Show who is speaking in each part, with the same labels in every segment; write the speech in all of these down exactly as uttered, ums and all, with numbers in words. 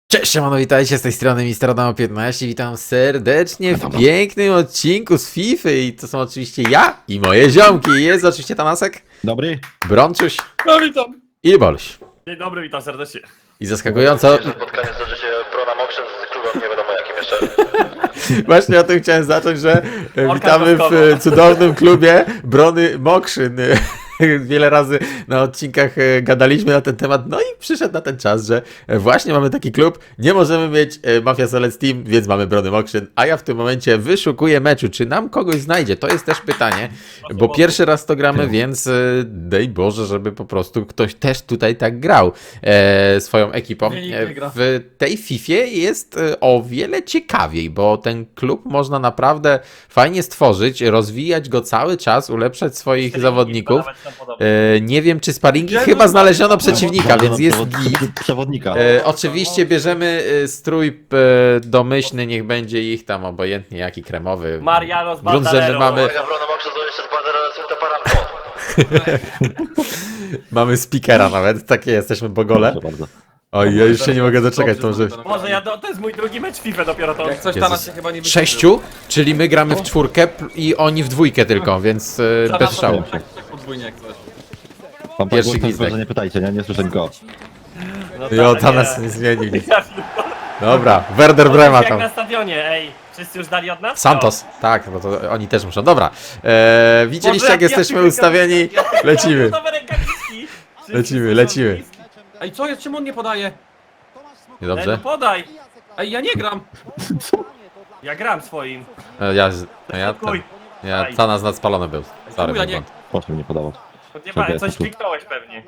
Speaker 1: Cześć, siemano, witajcie, z tej strony mister Adamo piętnaście, witam serdecznie w pięknym odcinku z FIFA i to są oczywiście ja i moje ziomki. Jest oczywiście Tanasek,
Speaker 2: Dobry.
Speaker 1: Brączuś
Speaker 3: No witam.
Speaker 1: i Boluś.
Speaker 3: Dzień dobry, witam serdecznie.
Speaker 1: I zaskakująco,
Speaker 4: Że spotkanie zdarzy się Prona Mokrzen z klubem nie wiadomo jakim jeszcze.
Speaker 1: właśnie o tym chciałem zacząć, że e,
Speaker 3: Orka
Speaker 1: witamy w
Speaker 3: kostkowa.
Speaker 1: e, cudownym klubie Brony Mokrzyn. Wiele razy na odcinkach e, gadaliśmy na ten temat, no i przyszedł na ten czas, że e, właśnie mamy taki klub, nie możemy mieć e, Mafia Solec Team, więc mamy Brony Mokrzyn, a ja w tym momencie wyszukuję meczu, czy nam kogoś znajdzie, to jest też pytanie, bo pierwszy raz to gramy, więc e, daj Boże, żeby po prostu ktoś też tutaj tak grał e, swoją ekipą.
Speaker 3: Nie, nikt
Speaker 1: E,
Speaker 3: nie gra.
Speaker 1: w tej Fifie jest e, o wiele ciekawiej, bo ten klub można naprawdę fajnie stworzyć, rozwijać go cały czas, ulepszać swoich zawodników. E, nie wiem, czy sparingi,
Speaker 3: Ja
Speaker 1: chyba
Speaker 3: to-
Speaker 1: znaleziono przeciwnika, więc jest
Speaker 2: Przewod-
Speaker 1: git.
Speaker 2: Przewodnika.
Speaker 1: E, oczywiście bierzemy e, strój e, domyślny, niech będzie ich tam obojętnie jaki kremowy.
Speaker 3: Mariano z
Speaker 1: Grunt, że my
Speaker 3: Banderero.
Speaker 1: mamy,
Speaker 4: Uwaga, Prona Mokrzen to jeszcze z Banderolem to paranko.
Speaker 1: mamy speakera nawet, takie jesteśmy bogole.
Speaker 2: Proszę bardzo.
Speaker 1: Oj, ja już się nie mogę doczekać, to może...
Speaker 3: Może ja, do, to jest mój drugi mecz FIFA dopiero to.
Speaker 5: Jak coś
Speaker 1: Jezus.
Speaker 5: tam się chyba nie wyświetliło.
Speaker 1: Sześciu, czyli my gramy w czwórkę p- i oni w dwójkę tylko, więc e, bez szału.
Speaker 5: Tak, tak podwójnie jak coś.
Speaker 2: Pan
Speaker 1: Pierwszy
Speaker 2: Pierwszy
Speaker 1: gwizdek.
Speaker 2: że nie pytajcie, nie? Nie słyszę nikogo.
Speaker 3: No
Speaker 1: Jo,
Speaker 3: tak,
Speaker 1: tam
Speaker 3: nie.
Speaker 1: nas nie zmienił nic.
Speaker 3: Ja-
Speaker 1: Dobra, Werder Brema
Speaker 3: Jak
Speaker 1: tam.
Speaker 3: na stadionie, ej. Wszyscy już dali od nas?
Speaker 1: Santos, tak, no to oni też muszą. Dobra, eee, widzieliście jak
Speaker 3: Boże, ja-
Speaker 1: jesteśmy
Speaker 3: ja-
Speaker 1: ustawieni?
Speaker 3: ja- ja-
Speaker 1: Lecimy.
Speaker 3: Nowe rękawiczki. Wszyscy
Speaker 1: Lecimy,
Speaker 3: są
Speaker 1: lecimy.
Speaker 3: bliski.
Speaker 5: Ej, co jest? Czemu on nie podaje?
Speaker 3: Ej, no
Speaker 1: Dobrze?
Speaker 3: podaj.
Speaker 5: Ej, ja nie gram.
Speaker 3: Ja gram swoim.
Speaker 1: E, Ja, no ja,
Speaker 3: Kuj.
Speaker 1: ten, ja Tanas nadspalony był. Sorry,
Speaker 5: Czemu ja
Speaker 1: mój
Speaker 5: nie-
Speaker 1: błąd.
Speaker 2: Proszę mnie podawać.
Speaker 3: Nie ma,
Speaker 2: Czekaj,
Speaker 3: coś
Speaker 2: tu.
Speaker 3: kliknąłeś pewnie.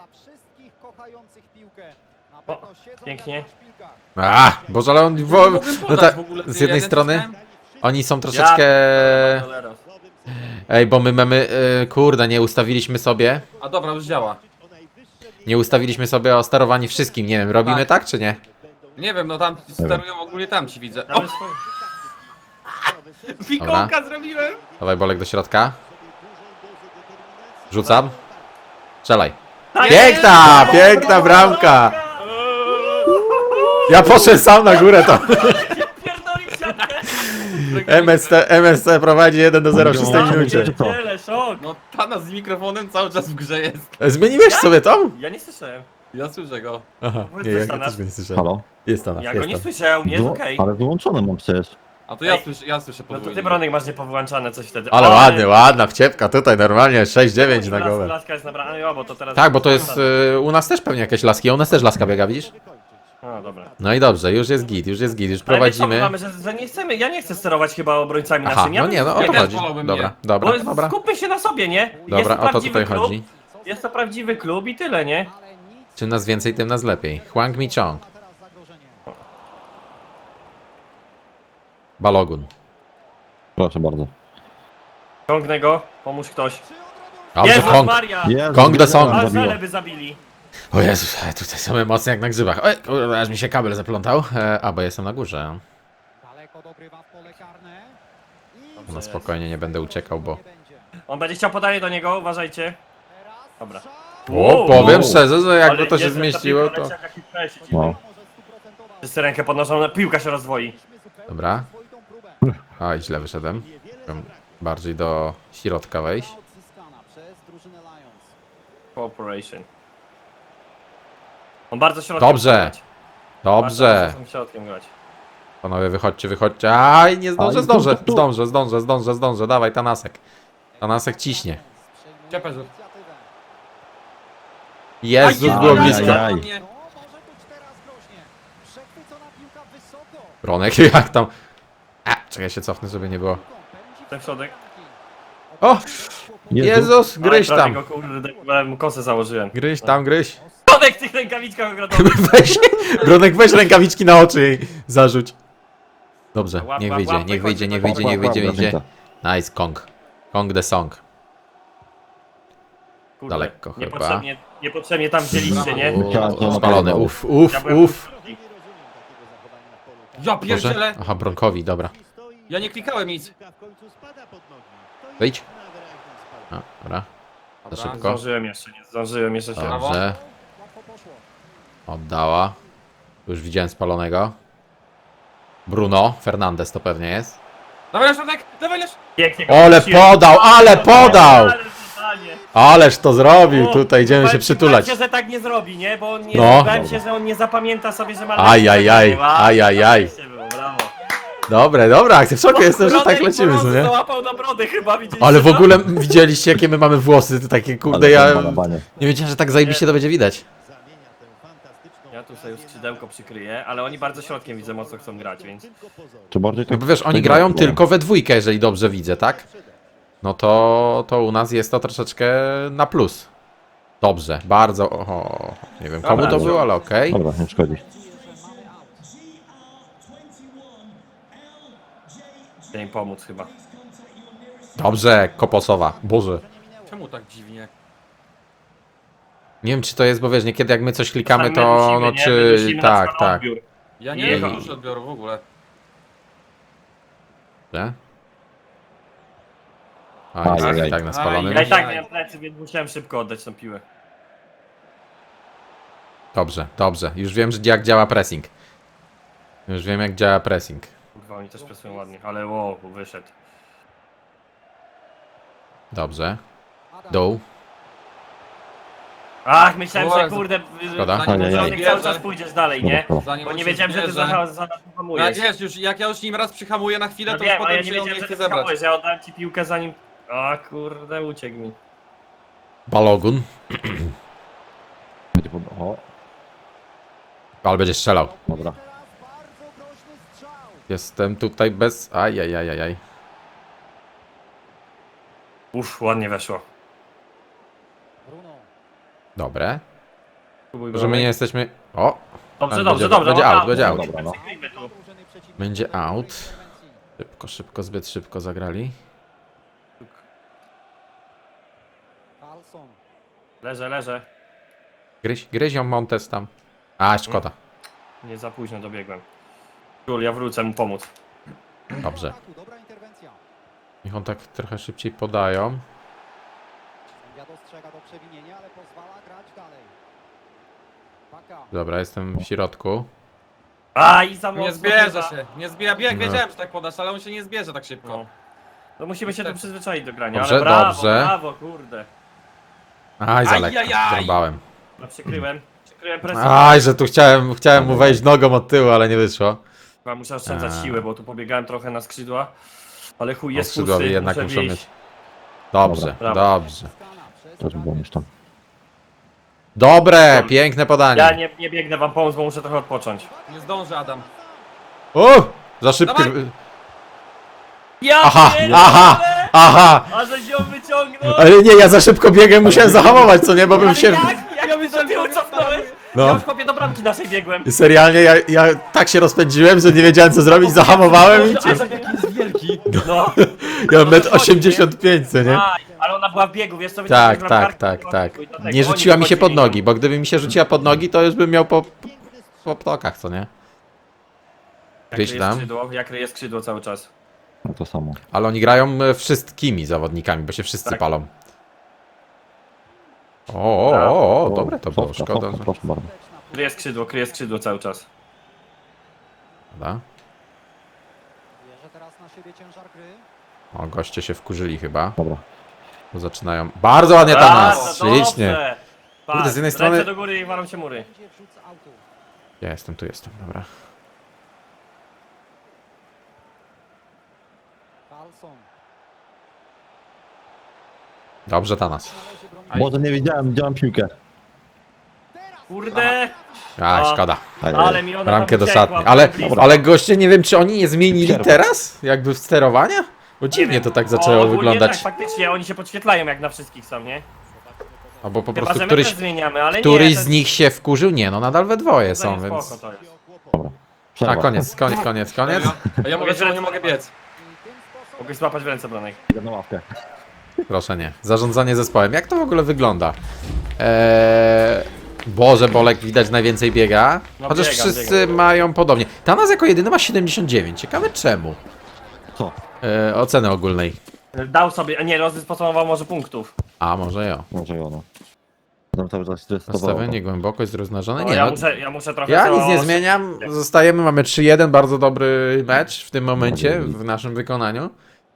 Speaker 3: O, pięknie.
Speaker 1: A, Boże, ale on... Wo,
Speaker 5: Nie mogłem
Speaker 1: no
Speaker 5: podać
Speaker 1: ta,
Speaker 5: w ogóle, ty,
Speaker 1: z jednej
Speaker 5: ja
Speaker 1: strony
Speaker 5: nacisnąłem.
Speaker 1: oni są troszeczkę...
Speaker 3: Ja... Banderero.
Speaker 1: Ej, bo my mamy... E, kurde, nie ustawiliśmy sobie...
Speaker 5: A dobra, już działa.
Speaker 1: Nie ustawiliśmy sobie o sterowaniu wszystkim, nie wiem, robimy
Speaker 5: Tak.
Speaker 1: tak czy nie?
Speaker 5: Nie wiem, no tam sterują ogólnie tam ci widzę. O,
Speaker 3: Mamy swoje. Fikołka zrobiłem.
Speaker 1: Dawaj Bolek do środka. Rzucam. Strzelaj.
Speaker 3: Tak
Speaker 1: Piękna, piękna bramka! Ja poszedłem sam na górę to.
Speaker 3: Pierdolił siatkę.
Speaker 1: M S C, M S C prowadzi jeden do zera w szóstej minucie.
Speaker 2: Czy co?
Speaker 3: Pierdziele, szok.
Speaker 5: no Tana z mikrofonem cały czas w grze jest.
Speaker 1: Zmieniłeś sobie to?
Speaker 3: Ja nie słyszałem.
Speaker 5: Ja słyszę go.
Speaker 1: Aha,
Speaker 3: Powiedz
Speaker 1: nie,
Speaker 3: coś,
Speaker 1: ja go
Speaker 3: Tanas.
Speaker 1: też go nie słyszałem.
Speaker 2: Halo?
Speaker 1: Jest Tanas,
Speaker 3: Ja go
Speaker 1: jest
Speaker 3: nie
Speaker 1: tam.
Speaker 3: słyszałem, nie jest
Speaker 2: Wyłą-
Speaker 3: okej.
Speaker 2: Ale wyłączony mam przecież.
Speaker 5: A to ja
Speaker 3: Ej.
Speaker 5: słyszę, ja słyszę
Speaker 3: No to
Speaker 5: podwójnie.
Speaker 3: ty, Bronek, masz niepowyłączane coś wtedy.
Speaker 1: Ale ładnie, ładna wciepka tutaj normalnie, sześć dziewięć na
Speaker 3: Las-
Speaker 1: głowę.
Speaker 3: Laska jest nabrana, jo, bo to teraz...
Speaker 1: Tak, bo to jest y, u nas też pewnie jakieś laski, a u nas też laska biega, widzisz?
Speaker 3: No dobra.
Speaker 1: No i dobrze, już jest git, już jest git, już
Speaker 3: Ale my co, my
Speaker 1: prowadzimy.
Speaker 3: mamy, że, że nie chcemy, ja nie chcę sterować chyba obrońcami
Speaker 1: Aha,
Speaker 3: naszymi. Ja
Speaker 1: no
Speaker 3: bym-
Speaker 1: nie, no o
Speaker 3: ja
Speaker 1: to
Speaker 3: też
Speaker 1: chodzi.
Speaker 5: wolałbym
Speaker 1: Dobra,
Speaker 5: nie.
Speaker 1: dobra,
Speaker 3: Bo
Speaker 1: dobra.
Speaker 3: skupmy się na sobie, nie?
Speaker 1: Dobra,
Speaker 3: jest
Speaker 1: o to
Speaker 3: prawdziwy
Speaker 1: tutaj
Speaker 3: klub,
Speaker 1: chodzi.
Speaker 3: Jest to prawdziwy klub i tyle, nie?
Speaker 1: Czym nas więcej, tym nas lepiej. Hwang Mi Chong. Balogun.
Speaker 2: Proszę bardzo.
Speaker 3: Ciągnę go, pomóż ktoś.
Speaker 1: Dobrze,
Speaker 3: Jezus
Speaker 1: Kong.
Speaker 3: Maria!
Speaker 2: Jezu,
Speaker 1: Kong the
Speaker 2: ile
Speaker 1: song.
Speaker 2: nam
Speaker 3: Aż
Speaker 2: zabiło.
Speaker 3: żele by zabili.
Speaker 1: O Jezus, e, tutaj są emocje jak na grzybach. Oj, kurde, aż mi się kabel zaplątał. E, a, bo jestem na górze. No spokojnie, nie będę uciekał, bo...
Speaker 3: On będzie chciał podanie do niego, uważajcie. Dobra.
Speaker 1: O,
Speaker 3: Wow.
Speaker 1: powiem szczerze, że jakby
Speaker 3: Ale
Speaker 1: to się
Speaker 3: Jezu, ta
Speaker 1: zmieściło,
Speaker 3: piłka
Speaker 1: to...
Speaker 3: leci jak jaki presić.
Speaker 2: No.
Speaker 3: Wszyscy rękę podnoszą, na- piłka się rozwoi.
Speaker 1: Dobra. Oj, źle wyszedłem. Chciałem bardziej do środka wejść.
Speaker 3: Cooperation. On bardzo środkiem
Speaker 1: Dobrze.
Speaker 3: chce grać.
Speaker 1: Dobrze.
Speaker 3: Bardzo środkiem grać.
Speaker 1: Panowie, wychodźcie, wychodźcie. Aj, nie zdążę,
Speaker 2: Aj,
Speaker 1: zdążę,
Speaker 2: tu, tu, tu.
Speaker 1: zdążę, zdążę, zdążę, zdążę. Dawaj, Tanasek. Tanasek ciśnie.
Speaker 5: Cieperzu.
Speaker 1: Jezus,
Speaker 2: Aj,
Speaker 1: było
Speaker 2: aj,
Speaker 1: blisko.
Speaker 2: aj, aj.
Speaker 1: Ronek, jak tam? A, czekaj, ja się cofnę, żeby nie było.
Speaker 3: Ten środek.
Speaker 1: O! Jezus, gryź
Speaker 3: Aj, prawie
Speaker 1: tam.
Speaker 3: go, kurde, ja mu kosę założyłem.
Speaker 1: Gryź tam, gryź.
Speaker 3: Środek w tych rękawiczkach ogrodowych.
Speaker 1: Weź, Ronek, weź rękawiczki na oczy jej zarzuć. Dobrze,
Speaker 3: Łap,
Speaker 1: niech
Speaker 3: łap,
Speaker 1: wyjdzie,
Speaker 3: łap,
Speaker 1: niech wyjdzie, niech
Speaker 3: wychodzi,
Speaker 1: wyjdzie, niech wyjdzie, niech
Speaker 2: Łap, łap,
Speaker 1: wyjdzie. Nice, Kong. Kong the song.
Speaker 3: Kurde,
Speaker 1: Daleko chyba.
Speaker 3: Niepotrzebnie, niepotrzebnie tam wzięliście, nie?
Speaker 2: Uuu.
Speaker 1: Spalony, uff, uff,
Speaker 3: Ja byłem
Speaker 1: uff.
Speaker 3: drugi.
Speaker 5: Ja
Speaker 1: Może?
Speaker 5: pierdzielę.
Speaker 1: Aha, Bronkowi, dobra.
Speaker 5: Ja nie klikałem nic.
Speaker 1: Wyjdź. A, dobra. Za
Speaker 5: Dobra,
Speaker 1: szybko.
Speaker 3: Zdążyłem jeszcze, nie zdążyłem jeszcze się.
Speaker 1: Dobrze. Oddała. Tu już widziałem spalonego. Bruno Fernandes to pewnie jest.
Speaker 5: Dawaj na środek, dawaj na środek.
Speaker 3: Pięknie go
Speaker 1: Ale
Speaker 3: wróciłem.
Speaker 1: podał, ale podał!
Speaker 3: Ale podanie.
Speaker 1: Ależ to zrobił,
Speaker 3: O,
Speaker 1: tutaj idziemy
Speaker 3: bałem
Speaker 1: się
Speaker 3: się-
Speaker 1: przytulać.
Speaker 3: Bałem się, że tak nie zrobi, nie? Bo on nie,
Speaker 1: No.
Speaker 3: bałem się, że on nie zapamięta sobie, że ma...
Speaker 1: Aj, aj, aj,
Speaker 3: Ładnie,
Speaker 1: aj, aj, aj.
Speaker 3: zajebiście było, brawo.
Speaker 1: Dobre, dobra akcja, w szoku jestem, że
Speaker 3: Brodek
Speaker 1: tak lecimy,
Speaker 3: po
Speaker 1: co
Speaker 3: prostu
Speaker 1: nie?
Speaker 3: załapał na brodę chyba, widzieliście
Speaker 1: Ale w
Speaker 3: to?
Speaker 1: ogóle widzieliście jakie my mamy włosy, to takie kurde,
Speaker 2: Ale
Speaker 1: ja
Speaker 2: balowanie.
Speaker 1: nie wiedziałem, że tak zajebiście to będzie widać.
Speaker 3: Ja tu sobie skrzydełko przykryję, ale oni bardzo środkiem widzę mocno chcą grać, więc...
Speaker 2: Czy bardziej
Speaker 1: No
Speaker 2: tak...
Speaker 1: bo wiesz, oni
Speaker 2: tak
Speaker 1: grają
Speaker 2: było.
Speaker 1: tylko we dwójkę, jeżeli dobrze widzę, tak? No to, to u nas jest to troszeczkę na plus. Dobrze, bardzo, oho, nie wiem komu
Speaker 3: Dobra,
Speaker 1: to było, ale okej.
Speaker 2: Dobra, nie szkodzi.
Speaker 3: Chcę im pomóc chyba.
Speaker 1: Dobrze, Koposowa, Boże.
Speaker 5: Czemu tak dziwnie?
Speaker 1: Nie wiem czy to jest, bo wiesz, niekiedy jak my coś klikamy,
Speaker 3: Czasami
Speaker 1: to
Speaker 3: musimy,
Speaker 1: no
Speaker 3: nie?
Speaker 1: czy...
Speaker 3: Wydusimy na
Speaker 1: Tak,
Speaker 3: przykład
Speaker 1: tak.
Speaker 3: odbiór.
Speaker 5: Ja nie
Speaker 3: Jechał.
Speaker 5: mam już odbioru w ogóle.
Speaker 1: Nie? A,
Speaker 2: Aj,
Speaker 1: jest
Speaker 2: aj, aj.
Speaker 1: tak na spalonym.
Speaker 3: Ja i tak
Speaker 5: Aj.
Speaker 3: miałem plecy, więc musiałem szybko oddać tą piłę.
Speaker 1: Dobrze, dobrze. Już wiem, że jak działa pressing. Już wiem, jak działa pressing.
Speaker 3: Kurwa, oni też presują ładnie, ale wow, wyszedł.
Speaker 1: Dobrze. Dół.
Speaker 3: Ach, myślałem, że
Speaker 5: Jezu.
Speaker 3: kurde,
Speaker 1: Szkoda.
Speaker 5: Zanim
Speaker 2: Ajajaj.
Speaker 5: on
Speaker 3: że
Speaker 5: się
Speaker 3: cały
Speaker 5: zbierze,
Speaker 3: czas pójdziesz dalej, nie?
Speaker 2: Dobra.
Speaker 5: zanim
Speaker 3: Bo
Speaker 5: on
Speaker 3: nie
Speaker 5: się
Speaker 3: wiedziałem, że ty
Speaker 5: zbierze.
Speaker 3: za, za nas
Speaker 5: No jak
Speaker 3: hamujesz.
Speaker 5: wiesz, już, jak ja już nim raz przyhamuję na chwilę,
Speaker 3: No
Speaker 5: to już
Speaker 3: wiem, ale ja
Speaker 5: potem
Speaker 3: nie
Speaker 5: się on nie
Speaker 3: wiedziałem, że
Speaker 5: chce
Speaker 3: ty
Speaker 5: zebrać.
Speaker 3: hamujesz, ja oddałem ci piłkę zanim... A kurde, uciekł mi.
Speaker 1: Balogun.
Speaker 2: Będzie pod... O,
Speaker 1: Ale będzie strzelał.
Speaker 2: dobra.
Speaker 1: Jestem tutaj bez... Ajajajajaj.
Speaker 3: Uff, ładnie weszło.
Speaker 1: Dobre.
Speaker 3: Próbuj
Speaker 1: Że my nie jesteśmy... O!
Speaker 3: Dobrze,
Speaker 1: Ale
Speaker 3: dobrze,
Speaker 1: będzie-
Speaker 3: dobrze.
Speaker 1: będzie
Speaker 3: o,
Speaker 1: out,
Speaker 3: tak.
Speaker 1: będzie out.
Speaker 2: Dobra, no.
Speaker 3: Przykryjmy tu.
Speaker 1: Będzie out. Szybko, szybko, zbyt szybko zagrali.
Speaker 3: Leżę, leżę.
Speaker 1: Gryź, gryzią Montes tam. A, szkoda.
Speaker 3: Nie za późno dobiegłem. Jul, ja wrócę mu pomóc.
Speaker 1: Dobrze. Niech on tak trochę szybciej podają.
Speaker 6: Ja dostrzega to przewinienie, ale pozwala grać dalej. Baka.
Speaker 1: Dobra, jestem w środku.
Speaker 3: A i za mocno.
Speaker 5: Nie zbierze
Speaker 3: chyba.
Speaker 5: się, nie zbierze. Bieg,
Speaker 1: No.
Speaker 5: wiedziałem, że tak podasz, ale on się nie zbierze tak szybko.
Speaker 3: No. No musimy się tu przyzwyczaić do grania,
Speaker 1: Dobrze,
Speaker 3: ale brawo,
Speaker 1: dobrze.
Speaker 3: brawo, kurde.
Speaker 1: Aj, za lekko.
Speaker 5: Ajajaj.
Speaker 1: Zrąbałem.
Speaker 3: No przykryłem. Przykryłem presję.
Speaker 1: Aj, że tu chciałem, chciałem mu wejść nogą od tyłu, ale nie wyszło.
Speaker 3: Chyba muszę oszczędzać
Speaker 1: A.
Speaker 3: siły, bo tu pobiegałem trochę na skrzydła. Ale chuj jest
Speaker 1: Skrzydłowi
Speaker 3: pusty,
Speaker 1: jednak
Speaker 3: muszę
Speaker 1: muszą
Speaker 3: wieść.
Speaker 1: mieć. Dobrze,
Speaker 3: Brawo.
Speaker 1: dobrze.
Speaker 2: Też było już tam.
Speaker 1: Dobre, piękne podanie.
Speaker 3: Ja nie, nie biegnę wam pomóc, bo muszę trochę odpocząć.
Speaker 5: Nie zdąży Adam.
Speaker 1: O! Za szybkie.
Speaker 5: Dawaj.
Speaker 3: Ja
Speaker 1: Aha,
Speaker 3: pierdolę!
Speaker 1: aha, aha!
Speaker 3: A żeś ją wyciągnął!
Speaker 1: Ale nie, ja za szybko biegłem, musiałem zahamować, co nie, bo bym
Speaker 3: Ale
Speaker 1: się...
Speaker 3: jak? Jak mi do tyłu cofnąłeś?
Speaker 1: No.
Speaker 3: Ja już chłopie do bramki naszej biegłem.
Speaker 1: Serialnie, ja, ja tak się rozpędziłem, że nie wiedziałem co zrobić, zahamowałem i cię...
Speaker 5: Adam jaki jest wielki.
Speaker 3: No.
Speaker 1: Ja mam metr osiemdziesiąt pięć, co nie?
Speaker 3: Aj, ale ona była w biegu, wiesz co?
Speaker 1: Tak,
Speaker 3: wyciągnąłem
Speaker 1: tak,
Speaker 3: bramkarkę,
Speaker 1: tak,
Speaker 3: była w
Speaker 1: tak.
Speaker 3: biegu i dlatego
Speaker 1: Nie
Speaker 3: oni
Speaker 1: rzuciła mi się pod
Speaker 3: wchodzili.
Speaker 1: nogi, bo gdyby mi się rzuciła pod nogi, to już bym miał po... po ptokach, co nie?
Speaker 3: Jak
Speaker 1: Gdzieś
Speaker 3: ryje
Speaker 1: tam.
Speaker 3: skrzydło, jak ryje skrzydło cały czas.
Speaker 2: No to samo.
Speaker 1: Ale oni grają e, wszystkimi zawodnikami, bo się wszyscy
Speaker 3: Tak.
Speaker 1: palą. O, o, o, o, dobre to było,
Speaker 2: Sofka,
Speaker 1: szkoda,
Speaker 2: sofka,
Speaker 1: że...
Speaker 2: proszę bardzo.
Speaker 3: Kryje skrzydło, kryje skrzydło cały czas.
Speaker 1: Dobra.
Speaker 6: Bierze teraz na siebie ciężar gry.
Speaker 1: O, goście się wkurzyli chyba,
Speaker 2: Dobra.
Speaker 1: bo zaczynają... Bardzo ładnie tam nas,
Speaker 3: Bardzo
Speaker 1: ślicznie.
Speaker 3: dobrze.
Speaker 1: Kurde,
Speaker 3: Patrz,
Speaker 1: z jednej
Speaker 3: ręce
Speaker 1: strony-
Speaker 3: do góry i walą się mury.
Speaker 6: Będzie wrzut z autu.
Speaker 1: Ja jestem, tu jestem, dobra.
Speaker 6: Carlson.
Speaker 1: Dobrze, Tanas.
Speaker 6: Należy bronić.
Speaker 2: Może nie wiedziałem, widziałem piłkę.
Speaker 3: Kurde,
Speaker 1: A,
Speaker 3: A.
Speaker 1: szkoda.
Speaker 2: Aj,
Speaker 3: ale
Speaker 2: aj.
Speaker 3: mi ona
Speaker 1: Bramkę
Speaker 3: tam
Speaker 1: do
Speaker 3: uciekła,
Speaker 1: szatni.
Speaker 3: byłem
Speaker 1: Ale,
Speaker 3: blisko.
Speaker 1: ale goście, nie wiem, czy oni nie zmienili
Speaker 2: Przerwa.
Speaker 1: teraz? Jakby w sterowania? Bo
Speaker 3: Nie
Speaker 1: dziwnie
Speaker 3: wiem.
Speaker 1: to tak
Speaker 3: O,
Speaker 1: zaczęło
Speaker 3: ogólnie
Speaker 1: wyglądać.
Speaker 3: Tak, faktycznie, oni się podświetlają jak na wszystkich są, nie?
Speaker 1: Albo po
Speaker 3: Chyba,
Speaker 1: prostu
Speaker 3: że my
Speaker 1: któryś,
Speaker 3: też zmieniamy, ale
Speaker 1: któryś
Speaker 3: nie. to
Speaker 1: z nich się wkurzył? Nie, no nadal we dwoje
Speaker 3: jest-
Speaker 1: są,
Speaker 3: to
Speaker 1: więc...
Speaker 3: spoko to jest.
Speaker 2: Dobra.
Speaker 1: A,
Speaker 2: Przerwa.
Speaker 1: koniec, koniec, koniec, koniec.
Speaker 5: A ja mówię, że nie mogę biec.
Speaker 3: Mogę złapać w ręce Bronek.
Speaker 2: Idę na ławkę.
Speaker 1: Proszę nie. Zarządzanie zespołem. Jak to w ogóle wygląda? Eee... Boże, Bolek widać najwięcej biega.
Speaker 3: No
Speaker 1: Chociaż
Speaker 3: biegam,
Speaker 1: wszyscy
Speaker 3: biegam.
Speaker 1: mają podobnie. Tanas jako jedyny ma siedemdziesiąt dziewięć. Ciekawe czemu.
Speaker 2: Co?
Speaker 1: Eee, oceny ogólnej.
Speaker 3: Dał sobie, a nie, rozdysponował może punktów.
Speaker 1: A, może ja.
Speaker 2: Może i ono. Tam cały czas stresowało.
Speaker 1: Nastawienie, głębokość, rozmnażone.
Speaker 3: No,
Speaker 1: Nie,
Speaker 3: ja,
Speaker 1: no,
Speaker 3: muszę, ja muszę trochę...
Speaker 1: ja
Speaker 3: to-
Speaker 1: nic nie zmieniam. Zostajemy, mamy trzy jeden, bardzo dobry mecz w tym momencie, w naszym wykonaniu.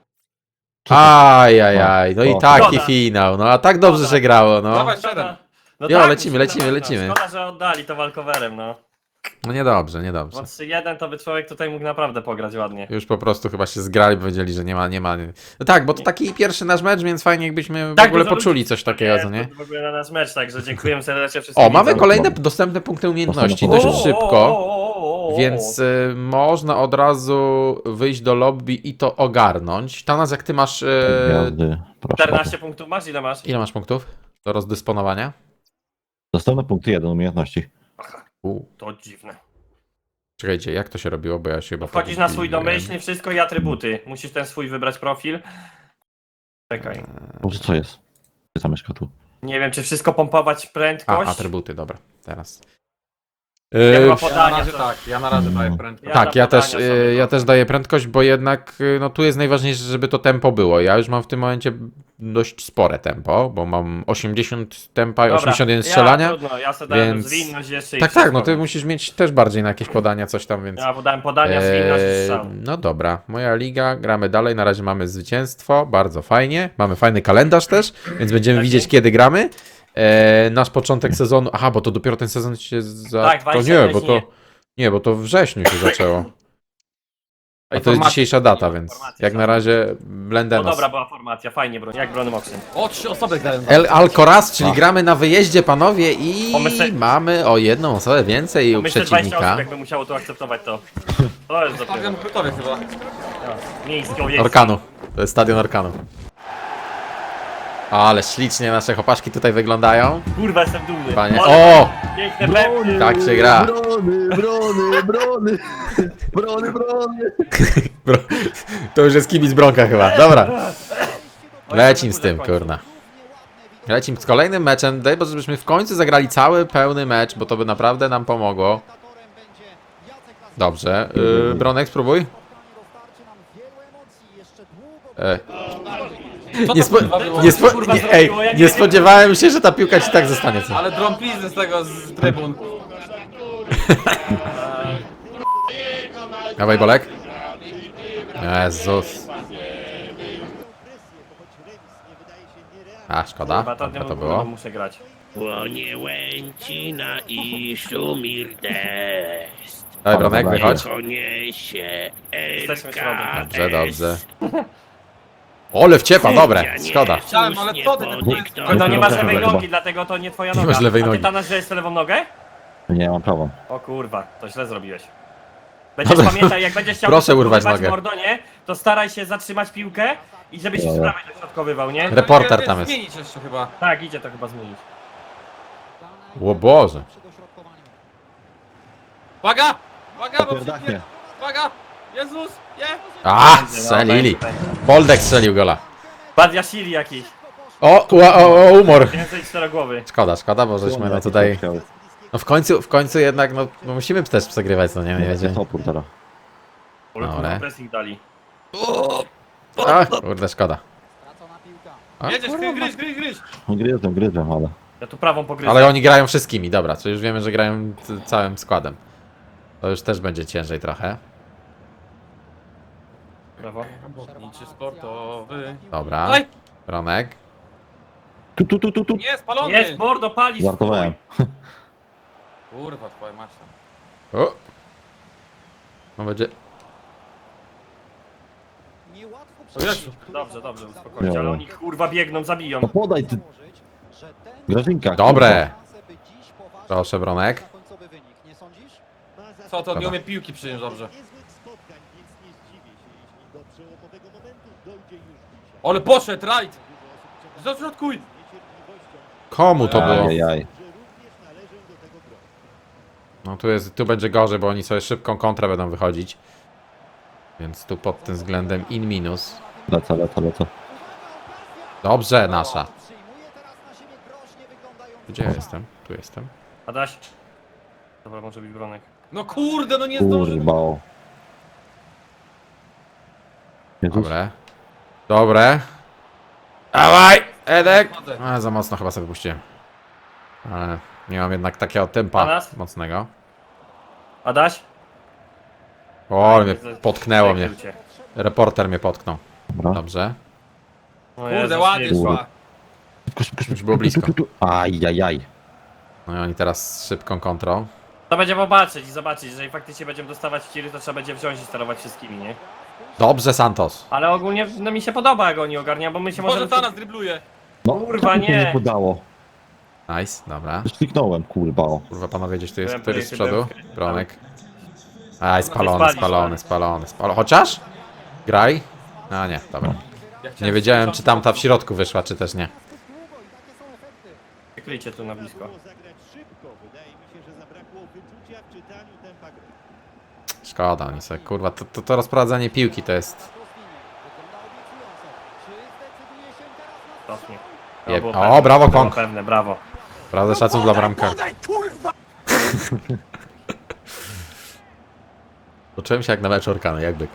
Speaker 1: Ajajaj, no i
Speaker 2: O.
Speaker 1: taki
Speaker 3: Szkoda.
Speaker 1: finał, no a tak dobrze
Speaker 3: Szkoda.
Speaker 1: się grało, no.
Speaker 5: Dawaj,
Speaker 3: Szkoda.
Speaker 5: siedem.
Speaker 3: No
Speaker 1: Jo,
Speaker 3: tak,
Speaker 1: lecimy,
Speaker 3: musimy
Speaker 1: lecimy,
Speaker 3: dawać,
Speaker 1: lecimy.
Speaker 3: No. Szkoda, że oddali to walkowerem, no.
Speaker 1: No niedobrze, niedobrze.
Speaker 3: Bo trzy jeden to by człowiek tutaj mógł naprawdę pograć ładnie.
Speaker 1: Już po prostu chyba się zgrali, powiedzieli, że nie ma, nie ma. No tak, bo to taki pierwszy nasz mecz, więc fajnie jakbyśmy w
Speaker 3: Tak,
Speaker 1: ogóle
Speaker 3: dużo
Speaker 1: poczuli
Speaker 3: ludzi
Speaker 1: coś takiego, co nie?
Speaker 3: W ogóle na nasz mecz, także dziękuję serdecznie wszystkim
Speaker 1: O, mamy
Speaker 3: widzom.
Speaker 1: kolejne dostępne punkty umiejętności
Speaker 2: O,
Speaker 1: dość
Speaker 3: O, o,
Speaker 1: szybko,
Speaker 3: o, o, o, o.
Speaker 1: więc y, można od razu wyjść do lobby i to ogarnąć. Tanas, jak ty masz... Y,
Speaker 2: Gwiazdy, proszę.
Speaker 3: czternaście punktów masz? Ile masz?
Speaker 1: ile masz punktów do rozdysponowania?
Speaker 2: Dostępne punkty jeden umiejętności.
Speaker 1: U,
Speaker 3: To dziwne.
Speaker 1: czekajcie, jak to się robiło, bo ja się chyba...
Speaker 3: Wchodzisz na swój
Speaker 1: pogubiłem.
Speaker 3: domyślny, wszystko i atrybuty. Musisz ten swój wybrać profil. Czekaj.
Speaker 2: Boże, co jest? Gdzie zamieszka tu?
Speaker 3: Nie wiem, czy wszystko pompować
Speaker 1: A,
Speaker 3: prędkość.
Speaker 1: atrybuty, dobra, teraz.
Speaker 3: Ja
Speaker 1: Y,
Speaker 3: chyba
Speaker 5: Ja na
Speaker 3: podania.
Speaker 5: razie
Speaker 3: to-
Speaker 5: tak, ja na razie daję
Speaker 2: Mm.
Speaker 5: prędkość.
Speaker 3: Ja
Speaker 1: Tak,
Speaker 3: na
Speaker 1: ja też,
Speaker 3: podania
Speaker 1: y,
Speaker 3: sobie
Speaker 1: ja
Speaker 3: to-
Speaker 1: też daję prędkość, bo jednak y, no tu jest najważniejsze, żeby to tempo było. Ja już mam w tym momencie dość spore tempo, bo mam osiemdziesiąt tempa i
Speaker 3: Dobra,
Speaker 1: osiemdziesiąt jeden
Speaker 3: Ja,
Speaker 1: strzelania.
Speaker 3: trudno, ja sobie dałem
Speaker 1: więc-
Speaker 3: zwinność jeszcze i
Speaker 1: Tak, tak, no
Speaker 3: wszystko.
Speaker 1: ty musisz mieć też bardziej na jakieś podania, coś tam, więc...
Speaker 3: Ja podałem podania, zwinność i
Speaker 1: Eee,
Speaker 3: strzał.
Speaker 1: no dobra, moja liga, gramy dalej, na razie mamy zwycięstwo, bardzo fajnie, mamy fajny kalendarz też, więc będziemy
Speaker 3: Tak,
Speaker 1: widzieć
Speaker 3: nie?
Speaker 1: kiedy gramy. Eee, nasz początek sezonu, aha, bo to dopiero ten sezon się za...
Speaker 3: Tak,
Speaker 1: to
Speaker 3: dwadzieścia
Speaker 1: nie, bo to...
Speaker 3: września.
Speaker 1: Nie, bo to w wrześniu się zaczęło. A to jest
Speaker 5: Informacja-
Speaker 1: dzisiejsza data, więc
Speaker 3: informacja
Speaker 1: jak na
Speaker 3: są.
Speaker 1: razie
Speaker 3: No
Speaker 1: Blendenos.
Speaker 3: dobra, była formacja, fajnie, bro, jak brony Moxyn.
Speaker 5: O, trzy osoby grają.
Speaker 1: El Alcoraz, czyli gramy na wyjeździe, panowie, i
Speaker 3: O, my se-
Speaker 1: mamy o jedną osobę więcej u
Speaker 3: Myślę, że dwadzieścia
Speaker 1: przeciwnika.
Speaker 3: osób jakby musiało tu akceptować to. To jest dopiero.
Speaker 5: Stadion gotowy chyba.
Speaker 3: Miejski owiec.
Speaker 1: Orkanu. To jest stadion Orkanu. Ale ślicznie nasze chłopaszki tutaj wyglądają.
Speaker 3: Kurwa, jestem dumny.
Speaker 1: Panie.
Speaker 3: Ale
Speaker 1: O!
Speaker 3: piękne pepki.
Speaker 1: Tak się gra.
Speaker 2: Brony, brony, brony, brony, brony.
Speaker 1: Bro, to już jest kibic Bronka chyba. Dobra. Lecim z tym, kurna. Lecim z kolejnym meczem. Daj Boże, żebyśmy w końcu zagrali cały pełny mecz, bo to by naprawdę nam pomogło. Dobrze. Yy, Bronek, spróbuj. E.
Speaker 5: Co
Speaker 1: Nie,
Speaker 5: to
Speaker 1: spo,
Speaker 5: kurwa było?
Speaker 1: nie, spo,
Speaker 3: kurwa
Speaker 1: nie, ej,
Speaker 3: zrobiło? Ja nie
Speaker 1: nie
Speaker 3: wiem.
Speaker 1: spodziewałem się, że ta piłka ci tak zostanie. Co?
Speaker 5: Ale drąplizny z tego, z trybun.
Speaker 1: Dawaj, Bolek. Jezus. A, szkoda.
Speaker 3: Chyba to,
Speaker 1: Dobra,
Speaker 3: nie
Speaker 1: to
Speaker 3: było.
Speaker 1: było.
Speaker 3: Muszę grać.
Speaker 7: Płonie łęcina i szumir deszcz.
Speaker 1: Dawaj, Bronek,
Speaker 2: Dobra,
Speaker 1: wychodź.
Speaker 7: Koniesie
Speaker 3: Jesteśmy
Speaker 7: L K S.
Speaker 1: Dobrze, dobrze. Ole wciepa, dobre. Szkoda.
Speaker 5: Chciałem, ale co ty?
Speaker 3: No to nie masz
Speaker 2: Dobra,
Speaker 3: lewej
Speaker 2: chyba.
Speaker 3: nogi, dlatego to nie twoja
Speaker 1: Nie
Speaker 3: noga.
Speaker 1: masz lewej
Speaker 3: A
Speaker 1: nogi.
Speaker 3: ty Tanas, że jest lewą nogę?
Speaker 2: Nie, mam prawą.
Speaker 3: O kurwa, to źle zrobiłeś. Będziesz
Speaker 1: Dobra.
Speaker 3: pamiętaj, jak będziesz chciał
Speaker 1: Proszę urwać
Speaker 3: dośrodkowywać
Speaker 1: nogę.
Speaker 3: Mordonie, to staraj się zatrzymać piłkę i żebyś z
Speaker 2: Dobra.
Speaker 3: prawej dośrodkowywał, nie?
Speaker 1: Reporter tam jest.
Speaker 5: Zmienić jeszcze chyba.
Speaker 3: Tak, idzie to chyba zmienić.
Speaker 1: O Boże.
Speaker 5: Uwaga! Uwaga, bo
Speaker 2: Popierdachnie.
Speaker 5: przyjdzie. Uwaga! Jezus! Nie!
Speaker 1: A, strzelili. Boldek strzelił gola.
Speaker 3: Badiashili jakiś.
Speaker 1: O, o, o, o, umor.
Speaker 3: Więcej czterogłowy.
Speaker 1: Szkoda, szkoda, bo żeśmy no tutaj... No w końcu, w końcu jednak, no, no musimy też przegrywać, no nie, nie
Speaker 2: Będzie
Speaker 1: będzie.
Speaker 2: topór teraz.
Speaker 3: Ale
Speaker 1: Dobra.
Speaker 3: kurwa pressing dali.
Speaker 1: A, kurde, szkoda. A,
Speaker 5: Jedziesz, gryź, gryź, gryź, gryź!
Speaker 2: Gryzłem, gryzłem, ale...
Speaker 3: Ja tu prawą pogryzę.
Speaker 1: ale oni grają wszystkimi, dobra, to już wiemy, że grają c- całym składem. To już też będzie ciężej trochę.
Speaker 3: Brawo.
Speaker 5: Robotniczy sportowy.
Speaker 1: Dobra,
Speaker 5: Daj!
Speaker 1: Ronek.
Speaker 2: Tu, tu, tu, tu, tu.
Speaker 5: Nie, spalony!
Speaker 3: Jest, mordo, pali
Speaker 2: Żartowałem.
Speaker 5: Kurwa, twoja masz.
Speaker 1: O! No będzie...
Speaker 5: O Jezu.
Speaker 3: Dobrze, dobrze, uspokojcie,
Speaker 2: Dobra.
Speaker 3: ale oni kurwa biegną, zabiją.
Speaker 2: No podaj ty, Grażynka.
Speaker 1: Dobre! Proszę, Bronek.
Speaker 5: Co, to
Speaker 1: Dobra.
Speaker 5: nie umie piłki przyjąć dobrze. Ale poszedł, right! Zaśrodkuj!
Speaker 1: Komu to było?
Speaker 2: Ajajaj.
Speaker 1: No tu jest, tu będzie gorzej, bo oni sobie szybką kontrę będą wychodzić. Więc tu pod tym względem in minus.
Speaker 2: Lecę, lecę, lecę.
Speaker 1: Dobrze, nasza. Gdzie ja jestem? Tu jestem.
Speaker 3: Adaś. Dobra, może być Bronek.
Speaker 5: No kurde, no nie zdążył.
Speaker 2: Kurwa. o. Jezus.
Speaker 1: Dobre. Dobre. Dawaj! Edek! A, za mocno chyba sobie puściłem. Ale nie mam jednak takiego tempa
Speaker 3: Teraz?
Speaker 1: mocnego.
Speaker 3: Adaś?
Speaker 1: O, ale mnie potknęło mnie.
Speaker 3: Przekrył cię.
Speaker 1: Reporter mnie potknął.
Speaker 2: Dobra.
Speaker 1: Dobrze.
Speaker 3: O
Speaker 5: Kurde,
Speaker 3: Jezus,
Speaker 5: ładnie
Speaker 3: Jezus.
Speaker 5: szła.
Speaker 2: Szybko, szybko, szybko.
Speaker 1: Już było blisko.
Speaker 2: Tu, tu, tu. Ajajaj.
Speaker 1: No i oni teraz szybką kontrą.
Speaker 3: To będzie popatrzeć i zobaczyć, jeżeli faktycznie będziemy dostawać tiry, to trzeba będzie wziąć i sterować wszystkimi, nie?
Speaker 1: Dobrze, Santos.
Speaker 3: Ale ogólnie no, mi się podoba, jak oni ogarniają, bo my się
Speaker 5: Może
Speaker 3: możemy...
Speaker 5: ta nas dribluje.
Speaker 2: No,
Speaker 3: Kurwa,
Speaker 2: tak mi się
Speaker 3: nie.
Speaker 2: nie podało.
Speaker 1: Nice, dobra.
Speaker 2: Kliknąłem, kurwa. O.
Speaker 1: Kurwa, panowie, gdzieś tu jest
Speaker 3: Byłem
Speaker 1: któryś z
Speaker 3: projektem
Speaker 1: przodu.
Speaker 3: demkę.
Speaker 1: Bronek. Aj, spalony,
Speaker 3: spalić,
Speaker 1: spalony,
Speaker 3: tak.
Speaker 1: spalony, spalony. Chociaż? Graj? A nie, dobra.
Speaker 5: Ja chciałem
Speaker 1: Nie wiedziałem,
Speaker 5: strzelić
Speaker 1: czy tamta w środku wyszła, czy też nie.
Speaker 3: Przykryjcie tu na blisko.
Speaker 8: zagrać szybko. Wydaje mi się, że zabrakło wyczucia w czytaniu tempa gry.
Speaker 1: Szkoda, oni sobie, kurwa, to, to, to rozprowadzanie piłki to jest...
Speaker 3: Cofnie.
Speaker 1: Je-
Speaker 3: było
Speaker 1: o,
Speaker 3: pewne,
Speaker 1: brawo,
Speaker 3: było
Speaker 1: Kong.
Speaker 3: pewne, brawo.
Speaker 1: Prawda, szacun dla bramka. Poczułem się jak na meczu Orkany, jakby.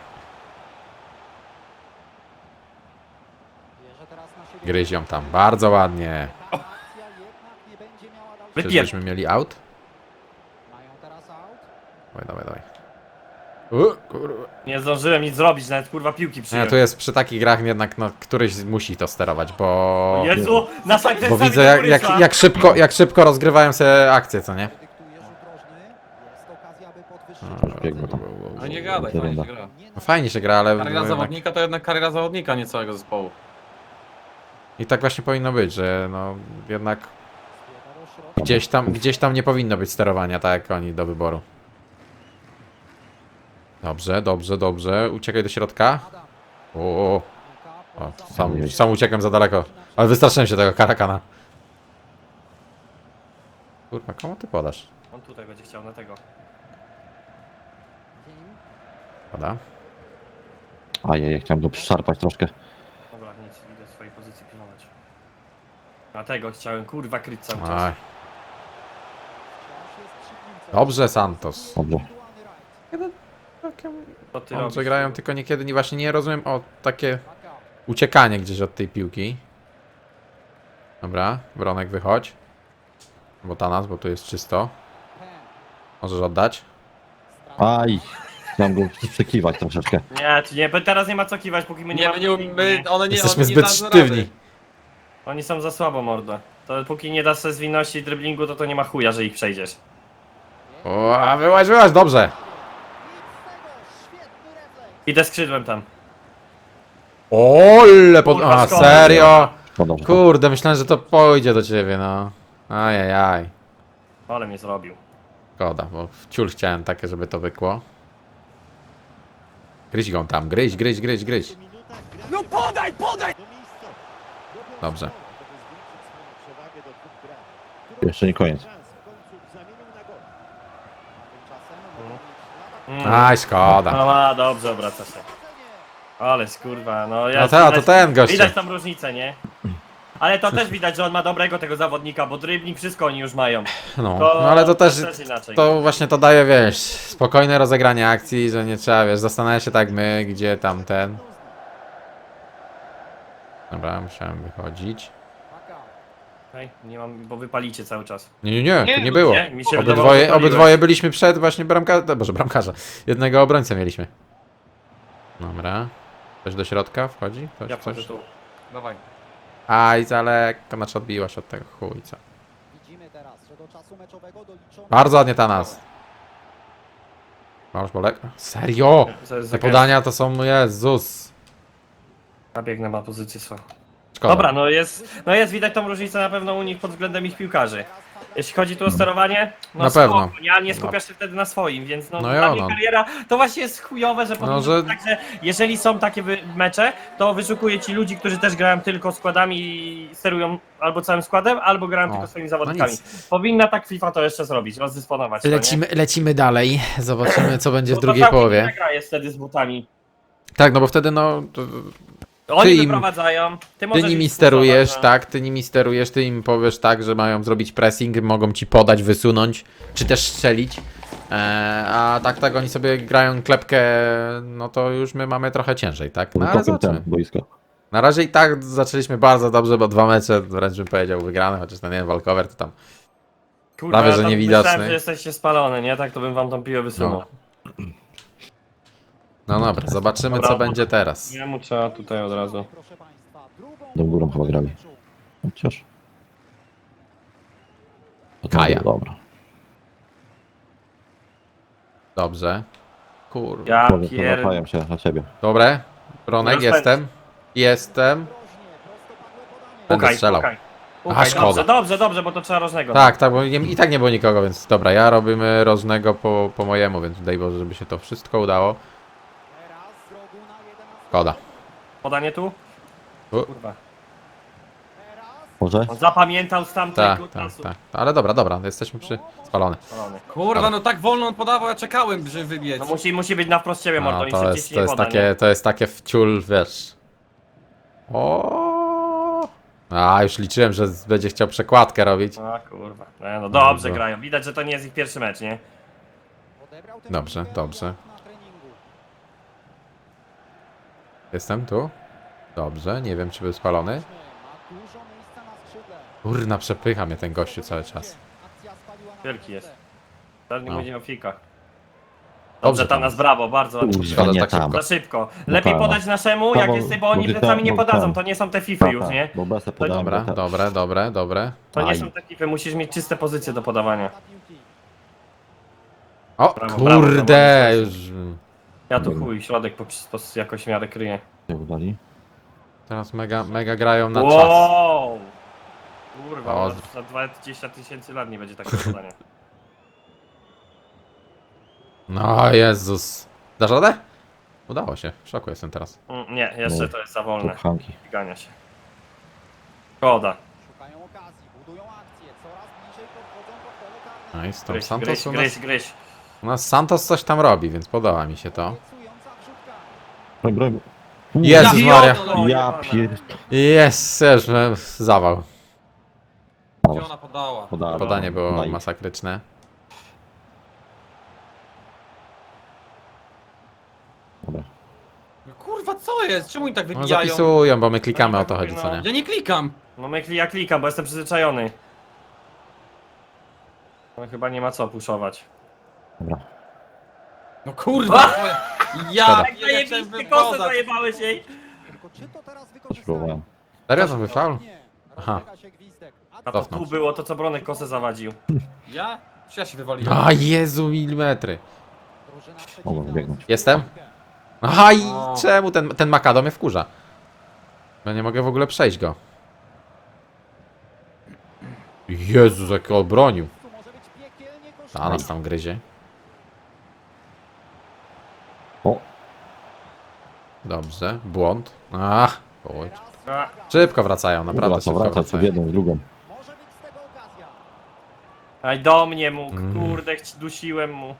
Speaker 1: Gryź ją tam, bardzo ładnie.
Speaker 3: Wypier...
Speaker 1: Czyżbyśmy mieli out?
Speaker 6: Mają teraz out.
Speaker 1: Dawaj, dawaj, dawaj. U, kurwa.
Speaker 3: Nie zdążyłem nic zrobić, nawet kurwa piłki
Speaker 1: Nie,
Speaker 3: przyjąłem.
Speaker 1: tu jest przy takich grach jednak, no, któryś musi to sterować, bo...
Speaker 3: Jezu, na tak
Speaker 1: Bo widzę jak, jak, jak, szybko, jak szybko rozgrywają sobie akcje, co nie?
Speaker 6: Dyktuje rzut rożny. Jest okazja, by podwyższyć.
Speaker 1: No,
Speaker 2: biegło tam.
Speaker 5: A nie gadaj, fajnie się gra.
Speaker 1: No fajnie się gra, ale... no
Speaker 5: Kariera
Speaker 1: jednak...
Speaker 5: zawodnika to jednak kariera zawodnika, nie całego zespołu.
Speaker 1: I tak właśnie powinno być, że no jednak
Speaker 6: Zbiega do środka.
Speaker 1: gdzieś tam, gdzieś tam nie powinno być sterowania, tak jak oni do wyboru. Dobrze, dobrze, dobrze. Uciekaj do środka. O, o, o. Sam, sam uciekłem za daleko. Ale wystraszyłem się tego karakana. Kurwa, komu ty podasz?
Speaker 3: On tutaj będzie chciał na tego.
Speaker 1: Poda.
Speaker 2: Ajajaj, chciałem go przyszarpać troszkę.
Speaker 3: Dobra, nic, idę w swojej pozycji pilnować. Na tego chciałem kurwa kryć cały czas.
Speaker 1: Aj. Dobrze, Santos.
Speaker 2: Dobrze.
Speaker 3: Co ty
Speaker 1: Dobrze
Speaker 3: robisz?
Speaker 1: grają, tylko niekiedy nie, właśnie nie rozumiem o takie uciekanie gdzieś od tej piłki. Dobra, Bronek wychodź. Bo ta nas, bo tu jest czysto. Możesz oddać.
Speaker 2: Aj. Chciałem go przekiwać troszeczkę.
Speaker 3: Nie, tu nie, teraz nie ma co kiwać, póki my nie,
Speaker 5: Nie,
Speaker 3: mamy...
Speaker 5: my nie, my, one nie,
Speaker 1: Jesteśmy
Speaker 5: one nie
Speaker 1: zbyt
Speaker 5: dadzą
Speaker 1: sztywni.
Speaker 5: rady.
Speaker 3: Oni są za słabo, mordo. To póki nie dasz sobie zwinności i driblingu, to to nie ma chuja, że ich przejdziesz.
Speaker 1: O, a wyłaź, wyłaź, dobrze.
Speaker 3: Idę skrzydłem tam.
Speaker 1: Ole, pod...
Speaker 3: Kurwa,
Speaker 1: A,
Speaker 3: szkoda.
Speaker 1: serio?
Speaker 2: No dobrze.
Speaker 1: Kurde, myślałem, że to pójdzie do ciebie, no. Ajajaj.
Speaker 3: Ale mnie zrobił.
Speaker 1: Szkoda, bo w ciul chciałem takie, żeby to wykło. Gryź go tam, gryź, gryź, gryź, gryź.
Speaker 8: No podaj, podaj!
Speaker 1: Dobrze.
Speaker 2: Jeszcze nie koniec.
Speaker 3: Mm.
Speaker 1: Aj, szkoda.
Speaker 3: No a, dobrze, obraca się. Ale skurwa, no ja...
Speaker 1: No ta, to ten gościu.
Speaker 3: Widać tam różnicę, nie? Ale to też widać, że on ma dobrego tego zawodnika, bo dribbling wszystko oni już mają.
Speaker 1: No,
Speaker 3: To,
Speaker 1: no ale to też,
Speaker 3: inaczej.
Speaker 1: to właśnie to daje, wiesz, spokojne rozegranie akcji, że nie trzeba, wiesz, zastanawiać się tak my, gdzie tam ten. Dobra, musiałem wychodzić.
Speaker 3: Hej, nie mam, bo wypalicie cały czas.
Speaker 1: Nie, nie, nie,
Speaker 5: Nie,
Speaker 1: tu nie
Speaker 5: no
Speaker 1: było.
Speaker 3: nie, mi się wydawało,
Speaker 1: Obydwoje,
Speaker 3: że paliłeś.
Speaker 1: obydwoje byliśmy przed właśnie bramkarza, boże, bramkarza. Jednego obrońcę mieliśmy. Dobra. Ktoś do środka wchodzi? Ktoś,
Speaker 3: Ja wchodzę
Speaker 1: coś?
Speaker 3: tu.
Speaker 5: Dawaj.
Speaker 1: Aj, za lekko, znaczy odbiłaś od tego chujca.
Speaker 6: Widzimy teraz, że do czasu meczowego doliczono...
Speaker 1: Bardzo ładnie ta nas. Masz bolek? Serio? Te podania to są, Jezus.
Speaker 3: Ja biegnę na pozycję swoją.
Speaker 1: Szkoda.
Speaker 3: Dobra, no jest, no jest widać tą różnicę na pewno u nich pod względem ich piłkarzy. Jeśli chodzi tu o sterowanie, no
Speaker 1: Na
Speaker 3: spoko,
Speaker 1: pewno.
Speaker 3: nie, nie skupiasz się wtedy na swoim, więc no,
Speaker 1: No
Speaker 3: dla
Speaker 1: jo,
Speaker 3: mnie
Speaker 1: no.
Speaker 3: kariera to właśnie jest chujowe, że powinno
Speaker 1: że-
Speaker 3: być tak, że jeżeli są takie wy- mecze, to wyszukuję ci ludzi, którzy też grają tylko składami i sterują albo całym składem, albo grają
Speaker 1: O,
Speaker 3: tylko swoimi
Speaker 1: no
Speaker 3: zawodnikami.
Speaker 1: nic.
Speaker 3: Powinna tak FIFA to jeszcze zrobić, rozdysponować. to, nie?
Speaker 1: Lecimy, lecimy dalej. Zobaczymy, co będzie w
Speaker 3: Bo to
Speaker 1: drugiej
Speaker 3: całkiem
Speaker 1: połowie.
Speaker 3: inna gra jest wtedy z butami.
Speaker 1: Tak, no bo wtedy no... to-
Speaker 3: Oni
Speaker 1: im-
Speaker 3: wyprowadzają, ty,
Speaker 1: Ty
Speaker 3: możesz
Speaker 1: nimi
Speaker 3: ich
Speaker 1: sterujesz,
Speaker 3: spustować,
Speaker 1: tak? Ty nimi sterujesz, ty im powiesz tak, że mają zrobić pressing, mogą ci podać, wysunąć, czy też strzelić. Eee, a tak, tak, oni sobie grają klepkę, no to już my mamy trochę ciężej, tak? No, ale
Speaker 2: Wykopię
Speaker 1: zobaczymy.
Speaker 2: ten boisko.
Speaker 1: Na razie i tak zaczęliśmy bardzo dobrze, bo dwa mecze, wręcz bym powiedział, wygrane, chociaż to nie wiem, walkover to tam
Speaker 3: Kurwa,
Speaker 1: Prawie,
Speaker 3: ja
Speaker 1: że
Speaker 3: tam
Speaker 1: niewidoczny.
Speaker 3: Myślałem, że jesteście spalone, nie? Tak to bym wam tą piłę wysunął.
Speaker 1: No dobra, zobaczymy co
Speaker 3: Dobra.
Speaker 1: będzie teraz.
Speaker 3: Nie mu trzeba tutaj od razu.
Speaker 6: Proszę państwa, drugą
Speaker 2: Do górą chyba grali.
Speaker 6: meczu.
Speaker 2: Chociaż. To to
Speaker 1: Kaja.
Speaker 2: było Dobra.
Speaker 1: Dobrze. Kurwa.
Speaker 3: Ja
Speaker 2: Powiem,
Speaker 3: pier...
Speaker 2: Zapają się na ciebie.
Speaker 1: Dobre. Bronek,
Speaker 3: Rozpędź.
Speaker 1: jestem. Jestem. Będę
Speaker 3: Pukaj,
Speaker 1: strzelał.
Speaker 3: pukaj.
Speaker 1: A,
Speaker 3: Pukaj,
Speaker 1: szkoda.
Speaker 3: dobrze, dobrze, dobrze, bo to trzeba rożnego.
Speaker 1: Tak, tak, bo nie, i tak nie było nikogo, więc dobra, ja robimy rożnego po, po mojemu, więc daj Boże, żeby się to wszystko udało.
Speaker 6: Teraz z rogu na jedenastkę.
Speaker 1: Szkoda.
Speaker 3: Podanie tu?
Speaker 1: U.
Speaker 3: Kurwa.
Speaker 6: Teraz
Speaker 2: Może?
Speaker 3: On zapamiętał z tamtego
Speaker 1: Tak, tak,
Speaker 3: czasu.
Speaker 1: tak. Ale dobra, dobra, jesteśmy przy spalony.
Speaker 3: Spalony.
Speaker 5: Kurwa, no tak wolno on podawał, ja czekałem, żeby wybiec.
Speaker 3: No musi, musi być na wprost ciebie, mordo,
Speaker 1: No,
Speaker 3: im
Speaker 1: to
Speaker 3: szybciej
Speaker 1: jest,
Speaker 3: ci
Speaker 1: to
Speaker 3: nie
Speaker 1: jest
Speaker 3: poda,
Speaker 1: takie,
Speaker 3: nie?
Speaker 1: to jest takie wciul, wiesz. O. A, już liczyłem, że z- będzie chciał przekładkę robić.
Speaker 3: A kurwa. Nie, no dobrze
Speaker 1: Dobra.
Speaker 3: grają. Widać, że to nie jest ich pierwszy mecz, nie?
Speaker 6: odebrał tę
Speaker 1: Dobrze,
Speaker 6: piłkę
Speaker 1: dobrze.
Speaker 6: na treningu.
Speaker 1: Jestem tu? Dobrze, nie wiem czy był spalony.
Speaker 6: Ma dużo miejsca na skrzydle.
Speaker 1: Kurna, przepycha mnie ten gościu cały czas.
Speaker 6: Akcja spaliła na
Speaker 3: Wielki jest.
Speaker 6: minutę.
Speaker 3: Teraz nie
Speaker 1: No.
Speaker 3: będzie o fikach.
Speaker 1: Dobrze
Speaker 3: Dobrze, tam
Speaker 1: tam.
Speaker 3: nas brawo, bardzo ładnie.
Speaker 2: Kurwa,
Speaker 1: Szkoda,
Speaker 2: nie
Speaker 1: tak
Speaker 2: tam.
Speaker 1: szybko.
Speaker 3: Za szybko. Lepiej
Speaker 2: Dobra.
Speaker 3: podać naszemu, jak
Speaker 2: Bo-
Speaker 3: jest, bo oni
Speaker 2: bo-
Speaker 3: plecami nie
Speaker 2: bo-
Speaker 3: podadzą,
Speaker 2: bo-
Speaker 3: to nie są te fify już, nie?
Speaker 2: Bo besę podałem.
Speaker 1: Dobra,
Speaker 2: bo te-
Speaker 1: dobre, dobre, dobre.
Speaker 3: To nie
Speaker 2: Aj.
Speaker 3: są te fify, musisz mieć czyste pozycje do podawania.
Speaker 6: Dla piłki.
Speaker 1: O,
Speaker 3: Brawo, brawo,
Speaker 1: kurde,
Speaker 3: brawo.
Speaker 1: już...
Speaker 3: Ja tu chuj, środek po, po, jakoś w miarę kryję.
Speaker 2: Nie udali.
Speaker 1: Teraz mega, mega grają na czas.
Speaker 3: Wow! Kurwa,
Speaker 1: O,
Speaker 3: o, za dwadzieścia tysięcy lat nie będzie takiego podania.
Speaker 1: No Jezus. Dasz radę? Udało się, w szoku jestem teraz.
Speaker 3: Mm, Nie, jeszcze
Speaker 2: No.
Speaker 3: to jest za wolne.
Speaker 2: Pchanki.
Speaker 3: Gania się. Szkoda.
Speaker 6: Szukają okazji, budują akcję, coraz bliżej podchodzą pod pole karne.
Speaker 1: No i z tą
Speaker 3: Gryź,
Speaker 1: Santos
Speaker 3: gryź,
Speaker 1: u
Speaker 3: gryź,
Speaker 1: nas...
Speaker 3: gryź.
Speaker 1: U nas Santos coś tam robi, więc podoba mi się to.
Speaker 6: Obiecująca wrzutka.
Speaker 2: Broń, broń.
Speaker 1: Jezus
Speaker 3: Ja
Speaker 1: Maria.
Speaker 3: pierdolę,
Speaker 2: Ja
Speaker 3: jebana.
Speaker 2: pier...
Speaker 1: Jest, też e, zawał.
Speaker 5: Gdzie ona podała?
Speaker 2: Podałem.
Speaker 1: Podanie było
Speaker 2: Daj.
Speaker 1: masakryczne.
Speaker 2: Dobra.
Speaker 5: Kurwa, co jest? Czemu oni tak
Speaker 1: No
Speaker 5: wybijają?
Speaker 1: zapisują, bo my klikamy, o to chodzi, co nie?
Speaker 5: Ja nie klikam.
Speaker 3: No my ja klikam, bo jestem przyzwyczajony. No chyba nie ma co puszować.
Speaker 2: Dobra.
Speaker 5: No kurwa. Ja
Speaker 1: Szkoda.
Speaker 3: Jak
Speaker 5: ja chciałem
Speaker 3: zajebisty kosę
Speaker 5: wypodać.
Speaker 3: zajebałeś jej!
Speaker 6: Tylko czy to teraz
Speaker 2: Coś
Speaker 6: wykorzystają?
Speaker 2: próbowałem.
Speaker 1: Serio to był faul?
Speaker 6: Nie.
Speaker 1: Aha.
Speaker 6: Rozbiega się gwizdek. A
Speaker 3: A to
Speaker 1: Cofnął
Speaker 3: tu
Speaker 1: się.
Speaker 3: było to, co Bronek kosę zawadził.
Speaker 5: Ja? Czy ja się wywaliłem?
Speaker 1: A Jezu, milimetry.
Speaker 6: drużyna
Speaker 2: Mogą
Speaker 6: przeciwna
Speaker 2: wybiegnąć.
Speaker 1: Jestem? Aha, i
Speaker 5: O.
Speaker 1: czemu ten, ten Makado mnie wkurza? Ja nie mogę w ogóle przejść go. Jezus, jak obronił.
Speaker 6: Tu może być piekielnie kosztowne.
Speaker 1: A nas tam gryzie.
Speaker 2: O,
Speaker 1: Dobrze, błąd. Ach, oj.
Speaker 3: A,
Speaker 1: Szybko wracają,
Speaker 2: kurwa,
Speaker 1: naprawdę
Speaker 2: to
Speaker 1: szybko
Speaker 2: wraca co w
Speaker 1: wracają.
Speaker 2: jedną i drugą.
Speaker 6: Może być z tego okazja.
Speaker 3: Aj do mnie mógł,
Speaker 1: Mm.
Speaker 3: kurde, chci- dusiłem mu.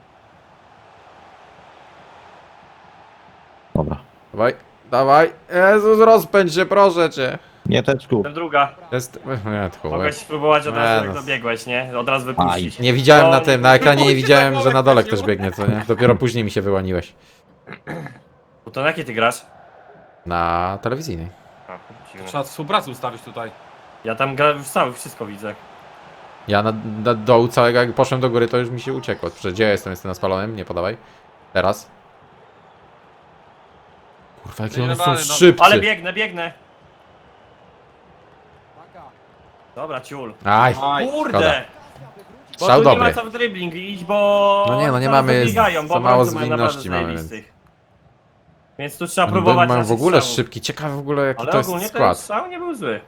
Speaker 2: Dobra.
Speaker 1: Dawaj, dawaj. Jezus, rozpędź się, proszę cię.
Speaker 2: Nie teczku.
Speaker 3: Ten druga.
Speaker 1: Jest... Nie, tchu,
Speaker 3: Mogłeś spróbować od
Speaker 1: Nie,
Speaker 3: razu, jak
Speaker 1: no.
Speaker 3: dobiegłeś, nie? Od razu wypuścić.
Speaker 1: Nie widziałem
Speaker 3: No,
Speaker 1: na tym, na ekranie nie
Speaker 3: nie
Speaker 1: widziałem, że na dole
Speaker 3: wrócił.
Speaker 1: ktoś biegnie, co nie? Dopiero później mi się wyłoniłeś.
Speaker 3: Bo to na jakie ty grasz?
Speaker 1: Na telewizyjnej.
Speaker 3: A, dziwne.
Speaker 5: Trzeba współpracę ustawić tutaj.
Speaker 3: Ja tam gra w cały, wszystko widzę.
Speaker 1: Ja na, na dołu całego, jak poszłem do góry, to już mi się uciekło. Przecież gdzie ja jestem? Jestem na spalonym? Nie podawaj. Teraz. Kurwa, jakie
Speaker 5: Nie
Speaker 1: one są
Speaker 5: dalej, no.
Speaker 1: szybcy.
Speaker 3: Ale biegnę, biegnę.
Speaker 6: Uwaga.
Speaker 3: Dobra, ciul.
Speaker 1: Aj,
Speaker 5: Aj.
Speaker 3: Kurde!
Speaker 6: Okazja, by wrócić.
Speaker 3: Bo
Speaker 1: Strzał
Speaker 3: tu
Speaker 1: dobry.
Speaker 3: nie ma co w dribbling iść, bo...
Speaker 1: No nie, no nie
Speaker 3: zaraz
Speaker 1: mamy-
Speaker 3: dobiegają, bo
Speaker 1: za mało
Speaker 3: obrońcy mają naprawdę
Speaker 1: zwinności mamy,
Speaker 3: zajebistych. Więc tu trzeba
Speaker 1: Oni
Speaker 3: próbować
Speaker 1: mają w
Speaker 3: naszych
Speaker 1: ogóle
Speaker 3: strzałów.
Speaker 1: szybki. Ciekawe w ogóle jaki
Speaker 3: Ale
Speaker 1: to jest
Speaker 3: ogólnie ten
Speaker 1: skład.
Speaker 3: strzał nie był zły.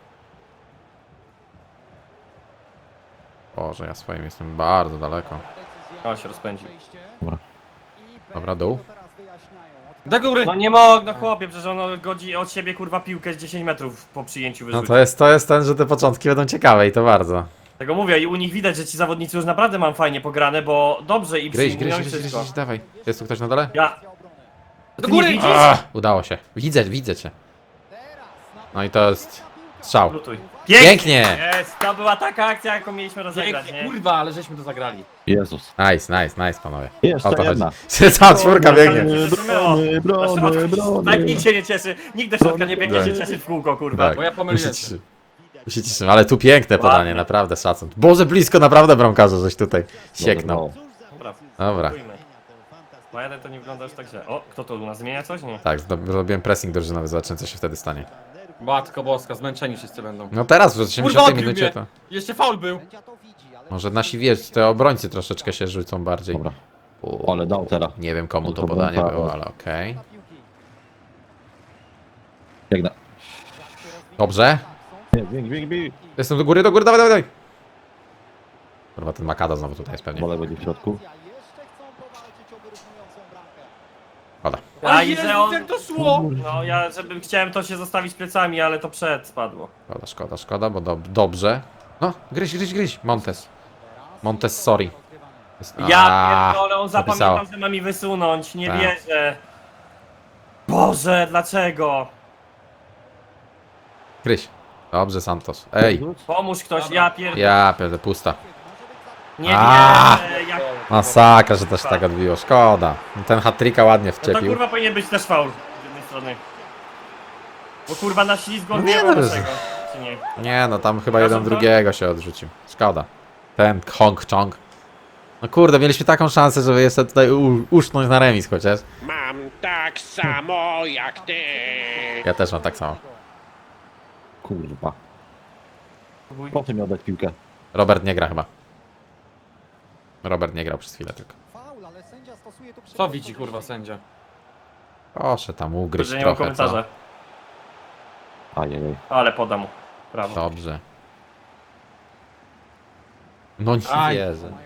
Speaker 1: Boże, ja swoim jestem bardzo daleko.
Speaker 6: Decyzja.
Speaker 3: O, się rozpędził.
Speaker 6: Przejście.
Speaker 2: Dobra.
Speaker 6: I
Speaker 1: Dobra, dół.
Speaker 6: to teraz wyjaśniają. Od-
Speaker 5: Do góry.
Speaker 3: No nie mogę, no chłopie, przecież on godzi od siebie kurwa piłkę z dziesięć metrów po przyjęciu
Speaker 1: No
Speaker 3: wyrzucił.
Speaker 1: to jest, to jest ten, że te początki będą ciekawe i to bardzo.
Speaker 3: Tego mówię i u nich widać, że ci zawodnicy już naprawdę mam fajnie pograne, bo dobrze i
Speaker 1: Gryź,
Speaker 3: przyjmują
Speaker 1: gryź,
Speaker 3: i
Speaker 1: gryź, gryź,
Speaker 3: wszystko.
Speaker 1: gryź, dawaj. Jest tu ktoś na dole?
Speaker 3: Ja,
Speaker 6: Akcja obrony.
Speaker 5: Do
Speaker 3: ty nie
Speaker 5: góry.
Speaker 3: widzisz?
Speaker 1: Ach, udało się. Widzę, widzę cię.
Speaker 6: Teraz na-
Speaker 1: No i to jest strzał.
Speaker 3: lutuj.
Speaker 1: Pięknie!
Speaker 3: Jest, to była taka akcja, jaką mieliśmy rozegrać,
Speaker 5: Pięknie,
Speaker 3: nie?
Speaker 5: kurwa, ale żeśmy to zagrali.
Speaker 2: Jezus.
Speaker 1: Nice, nice, nice, panowie.
Speaker 2: Jeszcze
Speaker 1: O to
Speaker 2: jedna.
Speaker 1: chodzi. Cała czwórka biegnie.
Speaker 2: Brony, brony, brony.
Speaker 3: Tak nikt się nie cieszy, nikt do środka nie biegnie się cieszyć w kółko, kurwa.
Speaker 1: Tak.
Speaker 5: Bo ja pomyliłem
Speaker 1: Musicie
Speaker 5: się.
Speaker 1: się- Się cieszymy, ale tu piękne podanie,
Speaker 3: Ładnie.
Speaker 1: naprawdę szacun. Boże, blisko naprawdę bramkarza, żeś tutaj sieknął.
Speaker 3: Dobra,
Speaker 1: Dobra.
Speaker 3: spróbujmy. Ma jeden to nie wygląda już tak źle. O, kto to u nas zmienia coś? Nie.
Speaker 1: Tak, zdo- zrobiłem pressing drużynowy, zobaczymy co się wtedy stanie.
Speaker 5: Matko boska, zmęczeni wszyscy będą.
Speaker 1: No teraz w
Speaker 5: Kurwa,
Speaker 1: osiemdziesiątej
Speaker 5: odbił
Speaker 1: minucie
Speaker 5: mnie.
Speaker 1: to...
Speaker 5: Jeszcze faul był.
Speaker 6: Sędzia to widzi, ale
Speaker 1: Może nasi wiesz, te obrońcy troszeczkę się rzucą bardziej.
Speaker 2: Dobra.
Speaker 1: U,
Speaker 2: Ale dał teraz.
Speaker 1: nie wiem komu to
Speaker 2: To
Speaker 1: podanie
Speaker 2: błąka-
Speaker 1: było, ale okej.
Speaker 6: na piłki.
Speaker 2: Biegnę.
Speaker 1: Dobrze.
Speaker 2: Nie, bieg, bieg, bieg.
Speaker 1: Jestem do góry, do góry, dawaj, dawaj, dawaj. Kurwa, ten Makada znowu tutaj jest pewnie.
Speaker 2: Wolę będzie w środku.
Speaker 6: Jeszcze chcą powalczyć o wyrównującą bramkę.
Speaker 1: Pada.
Speaker 3: A
Speaker 5: A
Speaker 3: i
Speaker 5: Jezu,
Speaker 3: że on...
Speaker 5: jak to szło!
Speaker 3: No ja, żebym chciałem to się zostawić plecami, ale to przed spadło.
Speaker 1: Szkoda, szkoda, szkoda, bo dob dobrze. No, gryź, gryź, gryź. Montes. Montes, sorry. Jest...
Speaker 3: Ja
Speaker 1: Aaa,
Speaker 3: pierdolę, on
Speaker 1: napisało.
Speaker 3: zapamiętał, że ma mi wysunąć, nie
Speaker 1: Tak.
Speaker 3: wierzę. Boże, dlaczego?
Speaker 1: Gryź. Dobrze, Santos. Ej,
Speaker 3: Pomóż ktoś,
Speaker 5: Dobra.
Speaker 3: ja pierdolę.
Speaker 1: ja pierdolę, pusta.
Speaker 3: Nie
Speaker 1: A.
Speaker 3: wierzę, jak...
Speaker 1: Masakra, że też tak odbiło, szkoda. Ten hat-tricka ładnie
Speaker 3: No to
Speaker 1: wczepił.
Speaker 3: kurwa powinien być też faul z jednej strony. Bo kurwa na ślizgu
Speaker 1: No nie,
Speaker 3: odbijał
Speaker 1: no,
Speaker 3: naszego, czy nie?
Speaker 1: Nie no, tam chyba
Speaker 3: Pokażą
Speaker 1: jeden
Speaker 3: to?
Speaker 1: drugiego się odrzucił. Szkoda. Ten Hong Chong. No kurde, mieliśmy taką szansę, żeby jeszcze tutaj u- usznąć na remis chociaż.
Speaker 7: Mam tak samo jak ty.
Speaker 1: Ja też mam tak samo.
Speaker 2: Kurwa. Po co mi oddać piłkę?
Speaker 1: Robert nie gra chyba. Robert nie grał przez chwilę tylko.
Speaker 6: Faul, ale sędzia stosuje tu
Speaker 5: Co
Speaker 6: przepis
Speaker 5: widzi kurwa sędzia?
Speaker 1: Proszę tam ugryźć
Speaker 3: Że nie mam
Speaker 1: trochę, co?
Speaker 3: komentarza,
Speaker 2: Ajajaj.
Speaker 3: ale podam mu. Brawo.
Speaker 1: Dobrze. No nie
Speaker 5: Aj.
Speaker 1: wierzę.
Speaker 6: Mają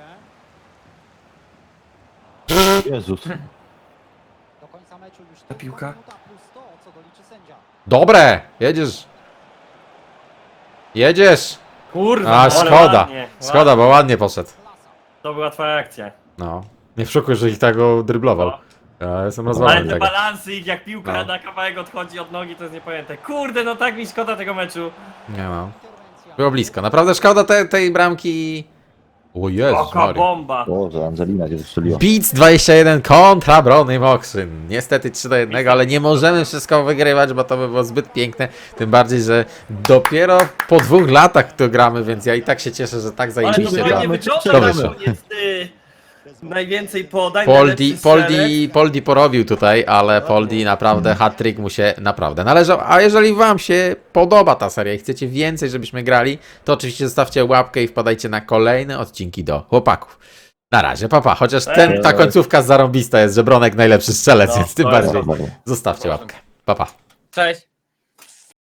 Speaker 6: piłkę.
Speaker 2: Jezus.
Speaker 6: Do końca meczu już
Speaker 3: Ta piłka.
Speaker 6: minuta plus to, co doliczy sędzia.
Speaker 1: Dobre! Jedziesz! Jedziesz!
Speaker 3: Kurwa,
Speaker 1: A,
Speaker 3: ale
Speaker 1: szkoda.
Speaker 3: ładnie,
Speaker 1: Szkoda, bo ładnie poszedł.
Speaker 6: Klasa.
Speaker 3: To była twoja akcja.
Speaker 1: No. Nie w szoku, że ich tak go dryblował.
Speaker 3: No.
Speaker 1: Ja jestem
Speaker 3: Ale
Speaker 1: rozwalony
Speaker 3: te
Speaker 1: tego.
Speaker 3: balansy ich jak piłka
Speaker 1: No.
Speaker 3: na kawałek odchodzi od nogi, to jest niepojęte. Kurde, no tak mi szkoda tego meczu.
Speaker 1: Nie no.
Speaker 6: Interwencja.
Speaker 1: Było blisko. Naprawdę szkoda te, tej bramki. O Jezus
Speaker 3: Oka
Speaker 1: Maria.
Speaker 3: bomba.
Speaker 2: Boże, Angelina cię wystrzeliła.
Speaker 1: Beats dwadzieścia jeden kontra Brony Mokszyn. Niestety trzy do jednego, ale nie możemy wszystko wygrywać, bo to by było zbyt piękne. Tym bardziej, że dopiero po dwóch latach to gramy, więc ja i tak się cieszę, że tak
Speaker 3: Ale to
Speaker 1: zajebiście
Speaker 3: fajnie
Speaker 1: gramy.
Speaker 3: wygląda,
Speaker 1: To
Speaker 3: że
Speaker 1: wyszło.
Speaker 3: jest y, najwięcej podań,
Speaker 1: Poldi,
Speaker 3: najlepszy strzelec.
Speaker 1: Poldi, Poldi porobił tutaj, ale Poldi naprawdę, hat-trick mu się naprawdę należał. A jeżeli wam się podoba ta seria i chcecie więcej, żebyśmy grali, to oczywiście zostawcie łapkę i wpadajcie na kolejne odcinki do chłopaków. Na razie, papa. Chociaż ten, ta końcówka zarąbista jest, że Bronek najlepszy strzelec,
Speaker 3: No,
Speaker 1: więc tym
Speaker 3: to jest
Speaker 1: bardziej
Speaker 2: Dobra.
Speaker 1: zostawcie łapkę. Papa.
Speaker 3: Cześć.